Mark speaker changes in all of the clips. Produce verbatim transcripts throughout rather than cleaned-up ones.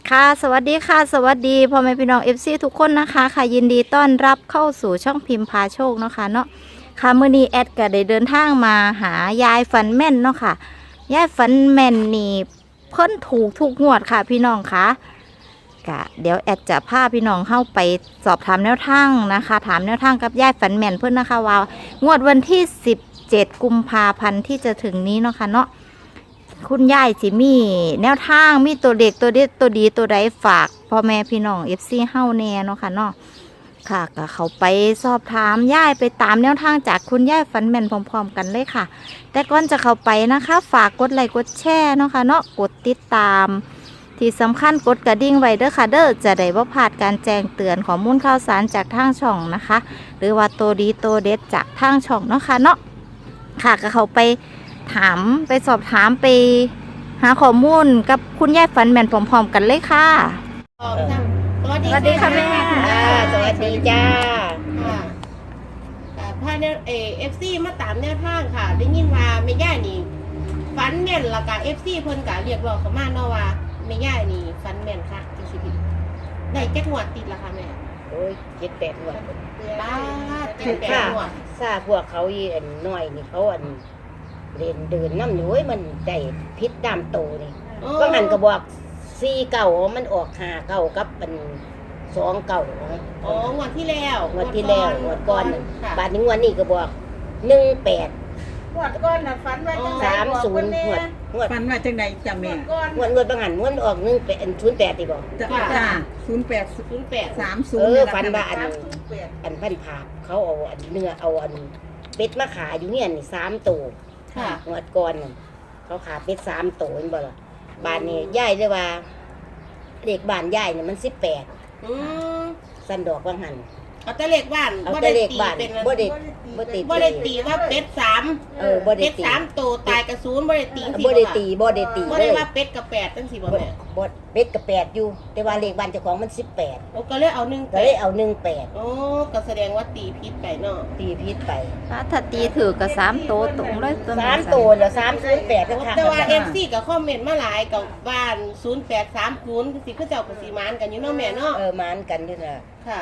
Speaker 1: ค่ะสวัสดีค่ะสวัสดีพ่อแม่พี่น้องเอฟซีทุกคนนะคะค่ะยินดีต้อนรับเข้าสู่ช่องพิมพ์พาโชคเนาะค่ะเนาะค่ะมื้อนี้แอดก็ได้เดินทางมาหายายฝันแม่นเนาะค่ะยายฝันแม่นนี่เพิ่นถูกทุกงวดค่ะพี่น้องค่ะกะเดี๋ยวแอดจะพาพี่น้องเข้าไปสอบถามแนวทางนะคะ ถามแนวทางกับยายฝันแม่นเพิ่นนะคะว่างวดวันที่สิบเจ็ดกุมภาพันธ์ที่จะถึงนี้เนาะค่ะเนาะคุณยายสิมีแนวทางมีตัวเด็กตัวเด็ดตัวดีตัวใดฝากพ่อแม่พี่น้องเอฟซีเฮาแน่เนาะค่ะเนาะค่ะก็เขาไปสอบถามยายไปตามแนวทางจากคุณยายฝันแม่นพร้อมๆกันเลยค่ะแต่ก่อนจะเข้าไปนะคะ ฝากกดไลค์กดแชร์เนาะค่ะเนาะกดติดตามที่สำคัญกดกระดิ่งไว้เด้อค่ะเด้อจะได้บ่พลาดการแจ้งเตือนข้อมูลข่าวสารจากทางช่องนะคะ หรือว่าตัวดีตัวเด็ดจากทางช่องเนาะค่ะเนาะค่ะก็เขาไปถามไปสอบถามไปหาข้อมูลกับคุณยายฝันแม่นพร้อมๆกันเลยค่ะ
Speaker 2: สวัสดี
Speaker 1: สวัสดีค่ะแม่
Speaker 2: อ่าสวัสดีจ้าค่ะ
Speaker 1: ค่ะ
Speaker 2: อ่าพาเนี่ยเอเอฟซีมาตามแนวทางค่ะ ได้ยินว่าแม่ย่านี่ฟันแม่นและกะเอฟซีเพิ่นกะเรียกร้องเข้ามาเนาะว่าแม่ย่านี่ฟันแม่นค่ะที่ชีวิตได้แก้หัวดติดละค่ะแม่
Speaker 3: โอ้ยเจ็ดแปดหัวด
Speaker 2: บ้าเจ็ดแปดหัวด
Speaker 3: ซาพวกเขาอีอันน้อยนี่เขาอันเรียนเดินน้ำอยู่เว้ยมันได้พิษดามโตนี่ก็หันกระบอกสี่เก่ามันออกหาเก่ากับเป็นสองเก่า
Speaker 2: อ๋องวดที่แล้ว
Speaker 3: งวดที่แล้วงวดก่อนน่ะ
Speaker 2: ค่ะ
Speaker 3: บาทนี้งวดนี้ก็บอกหนึ่งแปด
Speaker 4: งวดก้อนน่ะฝันว่าจังได
Speaker 3: สามศูนย์งวดงวด
Speaker 4: ฝันว่าจังไดจ้ะ
Speaker 2: ง
Speaker 4: แม่
Speaker 2: วดก่อน
Speaker 3: งวดงวดบางหันงวดออกหนึ่งแปดศูนย์แปดตีบอก
Speaker 4: จ้ะจ้าศูนย์แปด
Speaker 2: ศูนย์แปด
Speaker 4: สามศูน
Speaker 3: เอ
Speaker 4: ย์
Speaker 3: อฝันว่าอัน อันพันผาบเขาเอาอันเนื้อเอาอันเป็ดมาขายอยู่เนี่ยนี่สามตัว
Speaker 2: ค่ะ
Speaker 3: งวดก่อนน่ะเขาขาเป็ดสามตัวเห็นบ่ล่ะบ้านนี้ย่ายเลยว่าเด็กบ้านย่ายเนี่ยมันสิบแปด
Speaker 2: อืม
Speaker 3: สันดอกบางหัน
Speaker 2: เอาแต่เลขบ้าน
Speaker 3: เอาแต่เลขบ้าน
Speaker 2: บ่ได้ตีเป็น
Speaker 3: บ่ได้บ่ได้
Speaker 2: บ่ได้ตีว่าเป็ดสาม
Speaker 3: เออบ่ได้
Speaker 2: เป็ด
Speaker 3: ตี
Speaker 2: สามตัวตายกระศูนย์บ่ได้ตี
Speaker 3: บ่ได้ตีบ่ได้ตี
Speaker 2: บ่
Speaker 3: เล
Speaker 2: ได้
Speaker 3: ย
Speaker 2: ว่าเป็ดกับแปดตั้งสี่บ่
Speaker 3: บ่
Speaker 2: แม่
Speaker 3: บ่เป็ดกับแปดอยู่ แต่ว่าเลขบ้านเจ้าของมันสิบแปด
Speaker 2: โอ้ก็เลยเอาหนึ่ง
Speaker 3: ก็เลยเอาหนึ่งแปด
Speaker 2: โอ้ก็แสดงว่าตีพิษไปเนาะ
Speaker 3: ตีพิษไป
Speaker 1: ถ้าตีถือกับสามโตวตรงเลยตัว
Speaker 3: สามตัวแล้วสามศูนย์แปดทั้งทาง
Speaker 2: แต่ว่า เอ็ม ซี ก็คอมเมนต์มาหลายกับบ้านศูนย์แปดสามศูนย์สิคือเจ้าก็สิมานกันอยู่เนาะแม่เนาะ
Speaker 3: เออมานกันอยู่น่ะ
Speaker 2: ค่ะ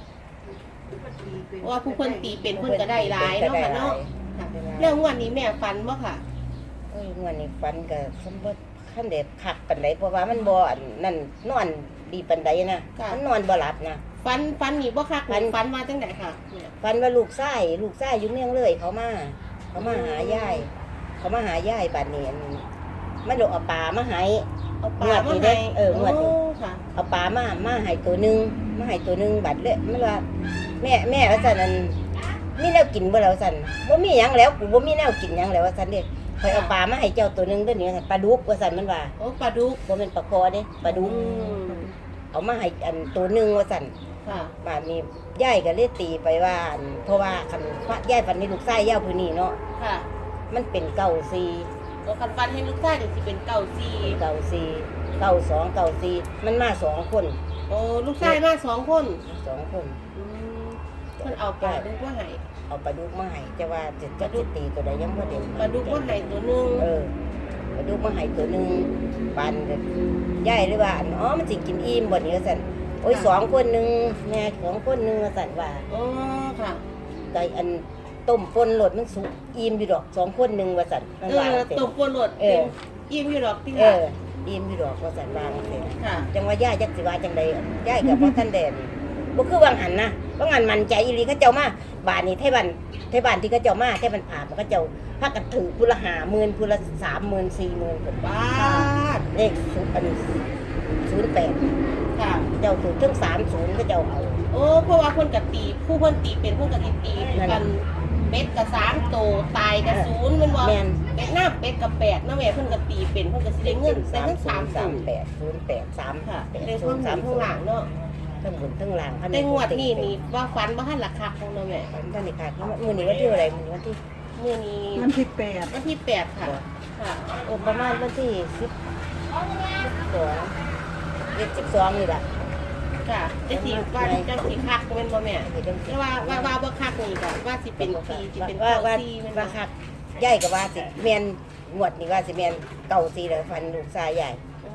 Speaker 2: ว่าผู้เพิ่นตีเป็นเพิ่นก็ได้หลายเนาะค่ะเนาะค่ะแล้วงวดนี้แม่ฟันบ่ค่ะ
Speaker 3: เอ้ยงวดนี้ฝันก็สมบูรณ์ขั้นเด็ดคักปานใดเพราะว่ามันบ่อันนั่นนอนดีปานใดนะมันนอนบ่หลับนะ
Speaker 2: ฟันฟันนี่บ่คัก
Speaker 3: ฟัน
Speaker 2: ฟันมาจังไดค่ะแม่
Speaker 3: ฝันว่าลูกไส้ลูกไส้อยู่เมืองเลยเขามาเขามาหายายเขามาหายายบัดนี้อันมันลงเอาปลามาให้
Speaker 2: เอาปลาง
Speaker 3: วดนี้
Speaker 2: มา
Speaker 3: เด้
Speaker 2: ให้
Speaker 3: เอองวดนี้
Speaker 2: โค่ะ
Speaker 3: เอาปลามามาให้ตัวหนึงมาให้ตัวหนึงบัดเลยมันว่าแม่แม่ว่าซั่นอันมีแนวกินบ่แล้วซั่นบ่มีหยังแล้วกูบ่มีแนวกินหยังแล้วว่าซั่นเด้ข่อยเอาปลามาให้เจ้าตัวหนึงเด้อนี่ว่าซั่นปลาดุกว่าซั่นมันว่า
Speaker 2: โอ้ปลาดุก
Speaker 3: บ่แม่นปลาคอเด้ปลาดุก
Speaker 2: อืม
Speaker 3: เอามาให้อันตัวหนึงว่าซั่น
Speaker 2: ค่ะ
Speaker 3: บ้านนี้ยายก็เลยตีไปว่าอันเพราะว่าคันยายฝันในลูกไส้ยาวผู้นี้เนาะ
Speaker 2: ค่ะ
Speaker 3: มันเป็นเก้าสี่
Speaker 2: โอ้คันฟันให้ลูกชายนี่สิเป็นเก้าสี่
Speaker 3: เก้าสี่เก้าสองเก้าสี่มันมาสองคน
Speaker 2: โอ้ลูกชายมาสองคน
Speaker 3: สองคน
Speaker 2: อืมเพิ่นเอาปลาดุกมาให้
Speaker 3: เอาปลาดุกมาให้จะว่าจะจะจะตีตัวใดยังบ่เด่น
Speaker 2: ปลาดุกมาให้ตัวหนึง
Speaker 3: เออปลาดุกมาให้ตัวหนึงปานก็ยายเลยว่าอันอ๋อมันสิกินอิ่มบ่นี่ว่าซั่นโอ้ยสองคนหนึงแม่สองคนหนึงว่าซั่นว่า
Speaker 2: อ๋อค่ะ
Speaker 3: ไก่อันต้มปนโหลดมันสุกอิ่มอยู่ดอกสองคนหนึงว่าซั่นมัน
Speaker 2: เอ
Speaker 3: ว่า
Speaker 2: อ
Speaker 3: จัง
Speaker 2: ต
Speaker 3: ซี่
Speaker 2: บปนหลด
Speaker 3: เออ
Speaker 2: อิ่มอยู่ดอกที่
Speaker 3: เอ
Speaker 2: ค่ะ
Speaker 3: ออิ่มอยู่ดอกว่าซั่นว่าจังซี่
Speaker 2: ค่ะ
Speaker 3: จังว่าย่าจักสิว่าจังใดย่ายกับพ่อท่านแดนบ่คือวางหันนะวางหันมันใจอีหลีเขาเจ้ามาบ้านนี้ไทบ้านไทบ้านที่เขาเจ้ามาไทบ้านผ่ามันเขาเจ้าพากันถือผู้ละห้าหมื่นผู้ละสามหมื่นสี่หมื่น
Speaker 2: บ้าด
Speaker 3: เลขศูนย์อันศูนย์แปด
Speaker 2: ค่ะ
Speaker 3: เจ้าถือถึงสามศูนย์เขาเจ้าเอา
Speaker 2: โอ้เพราะว่าเพิ่นกะตีผู้เพิ่นตีเป็นเพิ่นกะตีตี
Speaker 3: นั่น
Speaker 2: กั
Speaker 3: น่ะ
Speaker 2: นเป็ดกะสามโตตายกะศูนย์แมันบ่
Speaker 3: แม่น
Speaker 2: เป็ดหน้าเป็ดกะแปดเนาะแม่เพิ่นกะตีเป็นเพิ่นกะสิได้เงินแต่ทั้งสาม
Speaker 3: สา
Speaker 2: ศู
Speaker 3: ม
Speaker 2: นย์
Speaker 3: แปดศูนย์แปดสาม
Speaker 2: ค่ะ
Speaker 3: แปด
Speaker 2: ได้
Speaker 3: ศู
Speaker 2: ทั้
Speaker 3: น
Speaker 2: ง
Speaker 3: ย์
Speaker 2: ห
Speaker 3: สา
Speaker 2: ลั
Speaker 3: ม
Speaker 2: ง
Speaker 3: ศู
Speaker 2: ทั้ง
Speaker 3: น
Speaker 2: หลั
Speaker 3: ย์
Speaker 2: งเนาะ
Speaker 3: ทั้งบนทั้งล่าง
Speaker 2: แต่งวดนี้นี่ว่าฟันบ่ทันราคาของเนาะแม่
Speaker 3: ท่านนี่ขาดมื้อนี้วันที่อะไรมื้อนี้วันที่
Speaker 2: มื้อนี้
Speaker 4: วันที่แปด
Speaker 2: วันที่แปดค่ะค่ะ
Speaker 3: โอ้ประมาณวันที่สิบสองเจ็ดสิบสองนี่ล่ะ
Speaker 2: ค่ะจะสิว่าจังสิคักแม่นบ่แม่
Speaker 3: นี่จังสิ
Speaker 2: แต่ว่าว่าว่าบ่คักนี่ก็ว่าสิเป็นปีสิเป็น
Speaker 3: ว่า
Speaker 2: เก้า
Speaker 3: ว่า
Speaker 2: สี่แม่นบ่
Speaker 3: ว่าคักใหญ่กับว่าสิแมนงวดนี่ว่าสิแมนเก่าสีแล้วฟันลูกชายใหญ่
Speaker 2: โอ้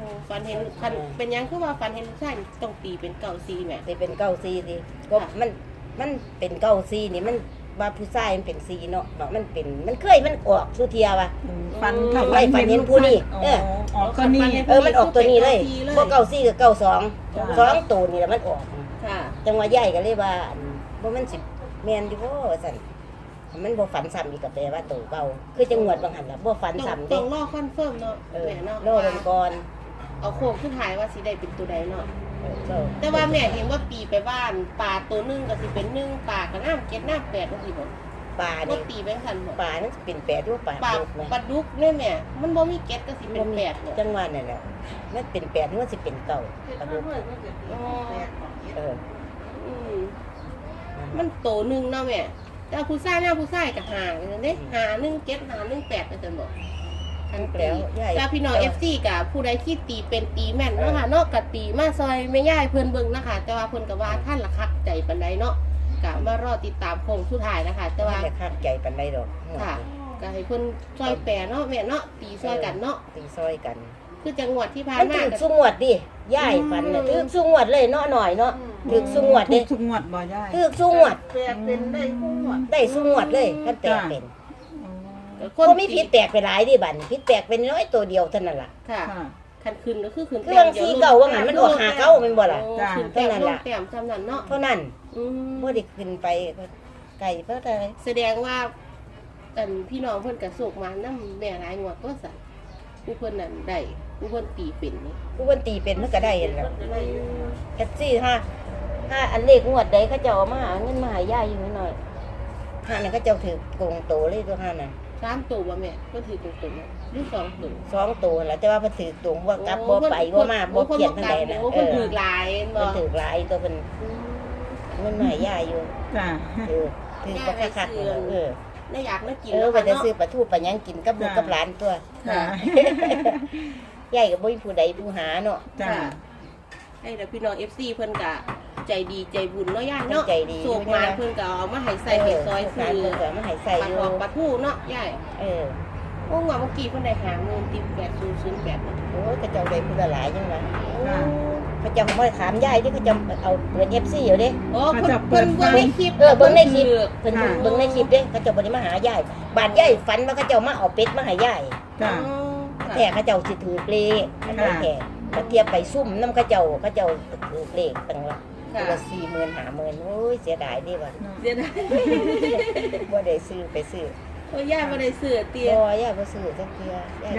Speaker 2: ฝันเห็นคันเป็นหยังคือว่าฝันเห็นลูกชายนี่ต้องตีเป็นเก่าซีแหม่
Speaker 3: สิเป็นเก้าซีสิก็
Speaker 2: ค่ะ
Speaker 3: มันมันเป็นเก้าซีนี่มันว่าผู้ชายมันเป็นซีเนาะเนาะมันเป็นมันเคยมันออกสุเทียว่ะ
Speaker 4: ฟัน
Speaker 3: อืมไว้ฟันเห็นผู้นี่เออ
Speaker 4: ออกก็นี่
Speaker 3: เออมันออกตัวนี้เลยพวกเก้าซีกับเก้าสอง
Speaker 4: จ้ะ
Speaker 3: สองตัวนี่แหละมันออก
Speaker 2: ค่ะ
Speaker 3: จังหวะใหญ่ก็เลยว่าบ่มันสิแม่นอยู่บ่ว่าซั่นมันบ่ฝันซ้ำอีกก็แปลว่าตัวเก่าคือจังหวัดบางหันล่ะบ่ฝัน
Speaker 2: ต้อง
Speaker 3: ซ้ำ
Speaker 2: ต้
Speaker 3: เด้
Speaker 2: องรอคอนเฟิร์มเนาะ
Speaker 3: เออ
Speaker 2: แม่เนาะ
Speaker 3: โลกันก่อน
Speaker 2: เอาโค้งขึ้นถ่ายว่าสิได้เป็นตัวใดเนาะ
Speaker 3: เออก็
Speaker 2: แต่ว่าแม่เห็นว่าปีไปบ้านปลาตัวหนึงก็สิเป็นหนึ่งปลาก็น้ำเจ็ดน้ำแปดก็สิบ่
Speaker 3: ปลา
Speaker 2: ว่า
Speaker 3: นี่
Speaker 2: ตีไปทันบ่
Speaker 3: ปลานั้นสิเป็นแปดหรือว่าปลา
Speaker 2: ปลา
Speaker 3: ดุกนะ
Speaker 2: ปลาดุกเนี่ยแม่มันบ่มีเก็ดก็สิเป็นแปดเนี่ย
Speaker 3: จังหวะนั่นแหละมันเป็นแปดหรือว่าสิเป็นเก้าปลาดุก
Speaker 2: อ๋อ
Speaker 3: เออ
Speaker 2: อืมมันโตหนึงเนาะแม่แต่ผู้ชายหน้าผู้ชายก็หาเด้หาหนึ่งเจ็ดหาหนึ่งแปดก็จะบอกทันตี
Speaker 3: แล้วใหญ่
Speaker 2: ถ้าพี่น้อง เอฟ ซี กับผู้ใดที่ตีเป็นตีแม่นเนาะค่ะเนาะกับตีมาซอยไม่ย่ายเพิ่นเบิ่งนะคะแต่ว่าเพิ่นก็ว่าท่านละคักใจปานใดเนาะก็มารอติดตามโค้งสุดท้ายนะคะแต่
Speaker 3: แต่ว่า
Speaker 2: ว่า
Speaker 3: จะคาดใจปันใดดอก
Speaker 2: ค่ะก็ให้เพิ่นซอยแปรเนาะแม่เนาะตีซอยกันเนาะ
Speaker 3: ตีซอยกัน
Speaker 2: คือจังหวัดที่ผ่าน
Speaker 3: มัน
Speaker 2: มา
Speaker 3: ถึก
Speaker 2: ก็
Speaker 3: สุงวดดิย่ายฝันน่ะถึกสุงวดเลยเนาะหน่อยเนาะถึกสุงวด
Speaker 4: ทุ
Speaker 3: เด้
Speaker 4: กทุกงวดบ่ยาย
Speaker 3: ถึกสุงวด
Speaker 4: แปดเป็นได้ทุกงวด
Speaker 3: ได้สุงวดเลยคันแตกเป็น
Speaker 2: คน
Speaker 3: บ่มีผิดแตกไปหลายดิบัดผิดแตกเป็นน้อยตัวเดียวเท่านั้นล่ะ
Speaker 2: ค่ะ
Speaker 4: ค่ะ
Speaker 2: คันคืนก็คือคืน
Speaker 3: เครื่องสีเก่าว่างั้นมันออกหาเก่าแม่นบ่ล่ะ
Speaker 2: โอ้คืนแต้ม
Speaker 3: เท่านั้น
Speaker 2: ล
Speaker 3: ล่ะ
Speaker 2: งแต้มจำนั้นเนาะ
Speaker 3: เท่านั้น
Speaker 2: อืม
Speaker 3: บ่ได้ขึ้นไปไกลเพราะอะไร
Speaker 2: แสดงว่าอันพี่น้องเพิ่นก็โศกมานำแม่หลายงวดก็สั่นผู้เพิ่นนั่นได้ผู้เพิ่นตีเป็นนี่
Speaker 3: ผู้คนตีเป็นมันก็ได้นั่นแหละแท็กซี่ห้าห้าอันเลขงวดใดเขาเจ้าเอามาหาเงินมาให้ย่ายอยู่นิดหน่อยห้านั่นเขาเจ้าถือโกงโตเลยตัวห้านั่น
Speaker 2: สามตัวบ่แม่เพิ่นถือตรงๆหรือสองตัว
Speaker 3: สองตัวแหล้วแต่ว่าเพิ่นถือตรงว่ากลับบ่ไปบ่มาบ่เขียนทางใดน่ะ
Speaker 2: โอ้
Speaker 3: เอ
Speaker 2: เพิ่น
Speaker 3: อ
Speaker 2: ถือหลายบ่
Speaker 3: เพิ่นถือหลายตัวเพิ่น
Speaker 2: อืม
Speaker 3: เงินมาให้ย่ายอยู่
Speaker 4: จ้ะ
Speaker 3: เออถือบ่คักๆนั่นเออ
Speaker 2: ได้อยากมากิน
Speaker 3: เออ
Speaker 2: แล้ว
Speaker 3: ไป
Speaker 2: ค่ะ
Speaker 3: จะ
Speaker 2: เนาะ
Speaker 3: ซื้อปลาทูปลาหยังกินกับลูกกับหลานตัว
Speaker 4: ค่ะ
Speaker 3: ย่ายก็บ่มีผู้ใดผู้หาเนาะ
Speaker 4: จ้ะ
Speaker 2: ค่ะให้แต่พี่น้อง เอฟ ซี เพิ่นก็ใจดีใจบุญเนาะย่าเนาะ
Speaker 3: ใจดี
Speaker 2: โศกมานเพิ่นก็เอามาให้ใส่ให้ซอย
Speaker 3: ซื้
Speaker 2: ซื้อ
Speaker 3: เพิ่นก็มาให้ใส่
Speaker 2: ปลา
Speaker 3: อ
Speaker 2: ท
Speaker 3: ยู่
Speaker 2: องปลาทูเนาะยาย
Speaker 3: เออ
Speaker 2: โอ้งวดเมื่อกี้เพิ่นได้หาเงินติดแปดศูนย์ศูนย์แปดเนาะ
Speaker 3: โอ้ยเขาเจ้าได้ผู้ละหลายจังนะ
Speaker 2: โอ้
Speaker 3: เขาเจ้าบ่ได้ถามย่ายที่เขาเจ้าเอาเปิด เอฟ ซี อยู่เด้
Speaker 2: โอ้เพิ่นเพิ่นเบิ่งในคลิป
Speaker 3: เออเบิ่งในคลิป
Speaker 2: เพิ่น
Speaker 3: เพิ่น
Speaker 2: ถือ
Speaker 3: เบิ่งในคลิปเด้เขาเจ้าบ่ได้มาหายายบาดยายฝันว่าเขาเจ้ามาเอาเป็ดมาให้ยาย
Speaker 4: จ้ะ
Speaker 2: อ๋อ
Speaker 3: แท้เขาเจ้าสิถือเลขอันนั้นแท้มาเทียบไปซุ่มนำเขาเจ้าเขาเจ้าถือเลขตั้งว่า
Speaker 2: ค่ะ
Speaker 3: ตัวละสี่หมื่นห้าหมื่นโอ้ยเสียดายเดิว่า
Speaker 2: เดี๋ยวนะ
Speaker 3: บ่ได้ซื้อไปซื้อ
Speaker 2: โอ้ยายบ่ได้ซื้อเตีย
Speaker 3: บ่ยายบ่ซื้อจักเทื่อย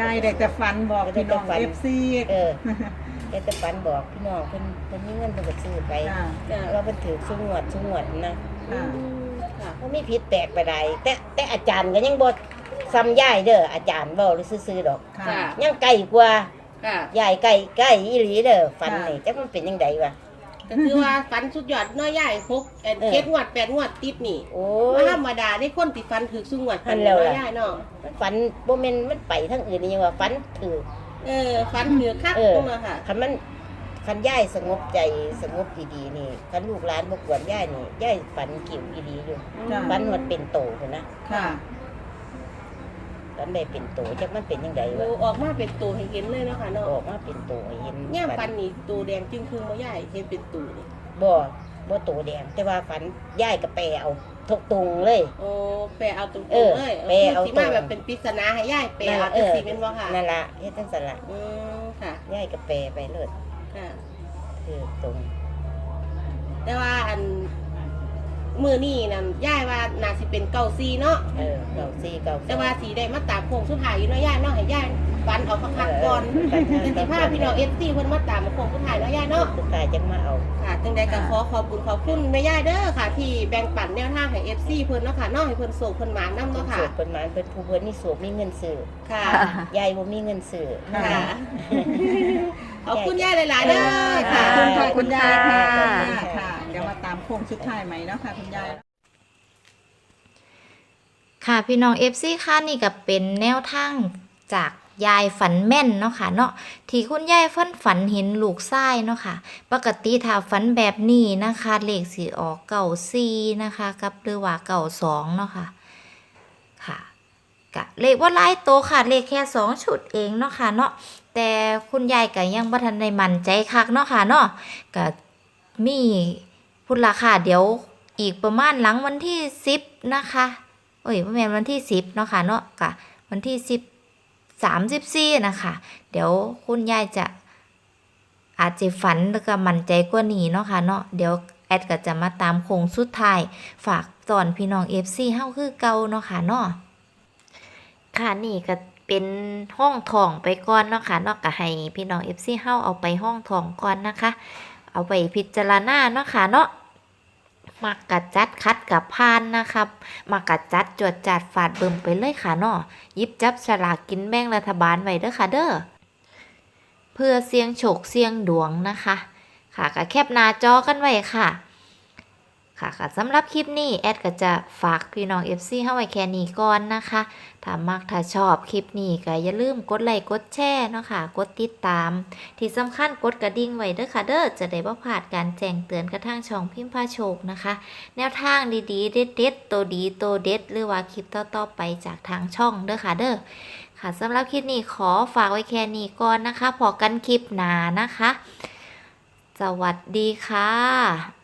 Speaker 4: ายได้แต่ฟันบอกพี่น้อง
Speaker 3: ได้แต่ฝัน
Speaker 4: เอฟซี
Speaker 3: เออได้แต่ฝันบอกพี่น้องเพิ่นเพิ่นมีเงินเพิ่นก็ซื้อไป
Speaker 4: จ้ะ
Speaker 2: จ้ะ
Speaker 3: เราเพิ่นถือซุงวดซุงวดนะ
Speaker 2: อืมค่ะ
Speaker 3: บ่มีผิดแปลกไปใดแต่แต่อาจารย์ก็ยังบ่ซ้ำยายเด้ออาจารย์เว้าหรือซื่อๆดอก
Speaker 4: ค่ะ
Speaker 2: ค่ะ
Speaker 3: ยังไกลกว่า
Speaker 2: ค่ะ
Speaker 3: ยายไก่ไก่อีหลีเด้อฝัน
Speaker 4: ค่ะ
Speaker 3: นี่จักมันเป็นยังไงวะ
Speaker 2: ก็คือว่าฟันสุดยอดเน้อยใหญ่พกเอ็น
Speaker 3: เออ
Speaker 2: เจ็ดงวดแปดงวดติดนี่
Speaker 3: โอ้
Speaker 2: ว่าย ธรรมดาได้คนติดฟันถือสุงวด
Speaker 3: อันแล้วล่ะ
Speaker 2: น้อยใหญ่เนาะ
Speaker 3: มันฝันบ่แม่นมันไปทางอื่นนี่ยังว่าฝันถือ
Speaker 2: เออฟันถือคัก
Speaker 3: เออ
Speaker 2: ตรงนั้นค่ะ
Speaker 3: คันมันคันยายสงบใจสงบดีๆนี่คันลูกหลานบ่กวนยายนี่ยายฝันกิ่วอีหลีอยู่
Speaker 4: จ้ะ
Speaker 3: ฝันว่าเป็นโตพุ่นนะ
Speaker 4: ค่ะ
Speaker 3: ฝันได้เป็นโตจักมันเป็นยังไง
Speaker 2: โอ้
Speaker 3: วะ
Speaker 2: ออกมาเป็นตัวให้เห็นเลยเนาะค่ะเนาะ
Speaker 3: ออกมาเป็นโตให้เห็น
Speaker 2: ย่ามฟันนี่ตัวแดงจึงคือมาใหญ่เห็นเป็นตัวนี่
Speaker 3: บ่บ่โตแดงแต่ว่าฝันยายก็แปลเอาทกตรงเลย
Speaker 2: โอ้แปลเอาตรง
Speaker 3: เออ
Speaker 2: ๆเลย
Speaker 3: แปลเอา
Speaker 2: สิมา
Speaker 3: ตรง
Speaker 2: แบบเป็นปริศนาให้ย่ายแปล
Speaker 3: นั่น
Speaker 2: เอา
Speaker 3: ล่ะ
Speaker 2: จัง
Speaker 3: เออ
Speaker 2: สีเป็นบ่ค่ะ
Speaker 3: นั่นล่ะเฮ็ดจังซั่นล่ะ
Speaker 2: อืมค่ะ
Speaker 3: ยายก็แปลไปเลย
Speaker 2: ค่ะ
Speaker 3: คือตรง
Speaker 2: แต่ว่าอันมือนี่นั่นย่ายว่าน่าสิเป็นเก้าซีเนาะ
Speaker 3: เออเก้าสี่เก้าสอง
Speaker 2: แต่ว่าสีได้มาตามโค้งสุดท้ายอยู่เนาะย่ายเนาะให้ย่ายฟันเอาคักๆก่อน
Speaker 3: เออ
Speaker 2: เป็นสิพาพี่น้อง เอฟ ซี เพิ่นมาตามมาโค้งสุดท้ายเนาะย่ายเนาะ
Speaker 3: สุดท้ายจังมาเอา
Speaker 2: ค่ะจังใดก็ขอขอบคุณขอบคุณแม่ย่ายเด้อค่ะ ที่แบ่งปันแนวทางให้ เอฟ ซี เพิ่นเนาะค่ะเนาะให้เพิ่นโศกเพิ่นหมานนำ
Speaker 3: เพิ่น
Speaker 2: เนาะค่ะ
Speaker 3: สูบเพิ่นหมานเพิ่นผู้เพิ่นนี่สูบมีเงินซื้อ
Speaker 2: ค่ะ
Speaker 3: ยายบ่มีเงินซื้อ
Speaker 2: ค่ะ ขอบคุณย่ายหลายๆเด้อ
Speaker 4: ขอ
Speaker 2: ค่ะ
Speaker 4: บคุณขอบคุณยายค่ะ
Speaker 3: ขอบคุณค่ะ
Speaker 4: ค่ะ เดี๋ยวมาตามโค้งสุดท้ายใหม่เนาะค่ะคุณยาย
Speaker 1: ค่ะพี่น้อง เอฟ ซี ค่ะนี่ก็เป็นแนวทางจากยายฝันแม่นเนาะค่ะเนาะที่คุณยายฝันฝันเห็นลูกชายเนาะค่ะปกติถ้าฝันแบบนี้นะคะเลขสีออกเก่าซีนะคะกับหรือว่าเก่าสองเนาะค่ะค่ะกะเลขว่าหลายโตวค่ะเลขแค่สองชุดเองเนาะค่ะเนาะแต่แต่คุณยายก็ยังบ่ทันได้มั่นใจคักเนาะค่ะเนาะก็มีพุ่นราคาเดี๋ยวอีกประมาณหลังวันที่สิบนะคะเอ้ยบ่แม่นวันที่สิบเนาะค่ะเนาะก็วันที่สิบ สามสิบสี่นะคะเดี๋ยวคุณยายจะอาจจะฝันแล้วก็มั่นใจกว่านี้เนาะค่ะเนาะเดี๋ยวแอดก็จะมาตามโค้งสุดท้ายฝากตอนพี่น้อง เอฟ ซี เฮาคือเก่าเนาะค่ะเนาะค่ะนี่ก็เป็นห้องทองไปก่อนเนาะค่ะเนาะก็ให้พี่น้อง เอฟ ซี เฮาเอาไปห้องทองก่อนนะคะ เอาไปพิจารณาเนาะค่ะเนาะมักกัดจัดคัดกับพานนะครับมักกัดจัดจวดจัดฝาดเบิ่มไปเลยค่ะเนาะหยิบจับฉลากกินแบ่งรัฐบาลไว้เด้อค่ะเด้อเพื่อเสี่ยงโชคเสี่ยงดวงนะคะค่ะก็แคปหน้าจอกันไว้ค่ะค่ะค่ะสำหรับคลิปนี้แอดก็จะฝากพี่น้อง เอฟ ซี เฮาไว้แค่นี้ก่อนนะคะถ้ามักถ้าชอบคลิปนี้ก็อย่าลืมกดไลค์กดแชร์เนาะค่ะกดติดตามที่สำคัญกดกระดิ่งไว้เด้อค่ะเด้อจะได้บ่พลาดการแจ้งเตือนกระทั่งช่องพิมพ์พาโชคนะคะแนวทางดีๆเด็ดๆตัวดีตัวเด็ดหรือว่าคลิปต่อๆไปจากทางช่องเด้อค่ะเด้อค่ะสำหรับคลิปนี้ขอฝากไว้แค่นี้ก่อนนะคะพอกันคลิปหน้านะคะสวัสดีค่ะ